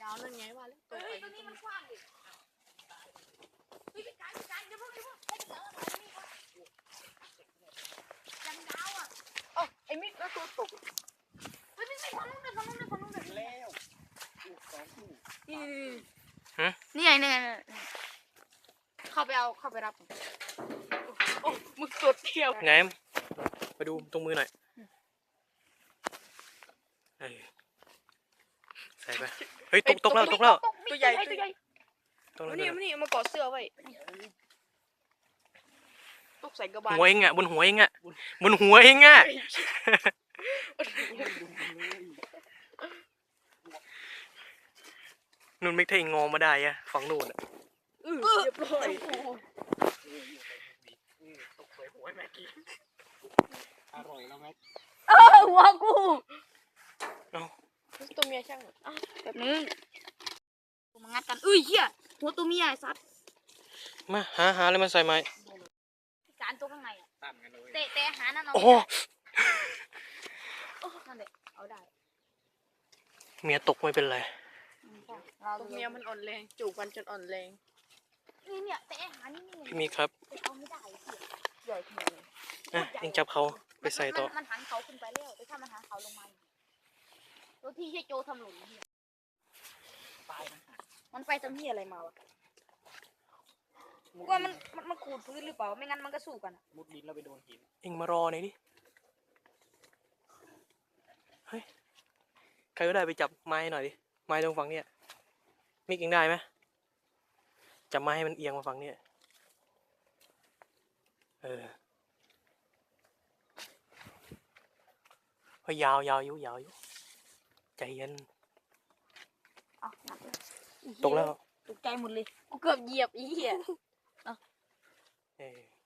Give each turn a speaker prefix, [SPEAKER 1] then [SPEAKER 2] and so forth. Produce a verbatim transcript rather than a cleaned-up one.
[SPEAKER 1] าวนั่นไงว่าแล้ว
[SPEAKER 2] เฮ้ยตัวนี้มันกว้างดิเฮ้ยพี่การพี่การเดี๋ยวพวกเดี๋ยวพวกให้เหลือมาที่นี่ก่อนยังยาวอ่ะ
[SPEAKER 1] โอ้ไอ้มิกแล้วตัวตก
[SPEAKER 2] เฮ้ยพี่ไม่ฟังนู้นเลยฟังนู้นเลยฟังนู้นเลย
[SPEAKER 3] แล้วลูกสองคู่
[SPEAKER 2] นี่นี่ไงนี่ไงเข้าไปเอาเข้าไปรับ
[SPEAKER 1] โอ้มึกสดเที่ยว
[SPEAKER 4] ไงไปดูตรงมือหน่อยเออใส่ไปเฮ้ยตกตกแล้วตกแล้ว
[SPEAKER 1] ตัวใหญ่ตัวใหญ่
[SPEAKER 4] ตกแล้ว
[SPEAKER 1] มานี่มานี่มาเกาะเสื้อไว้ตกใส่กระบาล
[SPEAKER 4] หัวเองอ่ะบนหัวเองอ่ะบนหัวเองอ่ะนุ่นไม่เท่งอมาได้อะฝั่งนู่นอ่ะ
[SPEAKER 1] เออเรียบร้อย
[SPEAKER 4] ตกใส่หัวแม่กี้
[SPEAKER 3] อร่อยแล้วไหม
[SPEAKER 2] เออหัวกู
[SPEAKER 1] ตัวเมียช่างอ่ะ
[SPEAKER 2] แบบนึงกูมางัดกันอุ้ยเหี้ยหัวตัวเมียไอ้สัตว์
[SPEAKER 4] มาหาหาอะไรมาใส่ไหม
[SPEAKER 2] พี่การตัวข้างในอ่ะ
[SPEAKER 3] ตั้มกันเลย
[SPEAKER 2] เตะเตะหานั่นเอา
[SPEAKER 4] โอ้
[SPEAKER 2] นั่นแหละเอาได้
[SPEAKER 4] เมียตกไม่เป็นไร
[SPEAKER 1] ตัวเมียมันอ่อนแรงจูบกันจนอ่อนแรง
[SPEAKER 2] นี่เนี่ยเตะหานี่นี่
[SPEAKER 4] พี่มีครับ
[SPEAKER 2] เอาไม่ได้เหี้ย
[SPEAKER 1] ใหญ่ขนาดนี้
[SPEAKER 4] อ่ะเองจับเขาไปใส่ต่อ
[SPEAKER 2] มันหันเขาขึ้นไปแล้วแต่ถ้ามันหันเขาลงมาตัวที่เฮียโจทำหล่นเฮีย
[SPEAKER 3] ตายนะ
[SPEAKER 2] มันไปทำเฮียอะไรมาวะว่ามันมันมันขูดพื้นหรือเปล่าไม่งั้นมันก็สู้กัน
[SPEAKER 3] มุดดินแล้วไปโดนหิน
[SPEAKER 4] เองมารอหน่อยดิเฮ้ยใครก็ได้ไปจับไม้หน่อยดิไม้ตรงฝั่งเนี้ยมิกเองได้ไหมจับไม้ให้มันเอียงมาฝั่งเนี้ยเออเฮ้ยยาวยาวอยู่ยาวอยู่ใจเย็น
[SPEAKER 2] เอาหนักเลย
[SPEAKER 4] ตกแล้ว
[SPEAKER 2] ตกใจหมดเลยกูเกือบเหยียบอีเหี้ย
[SPEAKER 4] เออ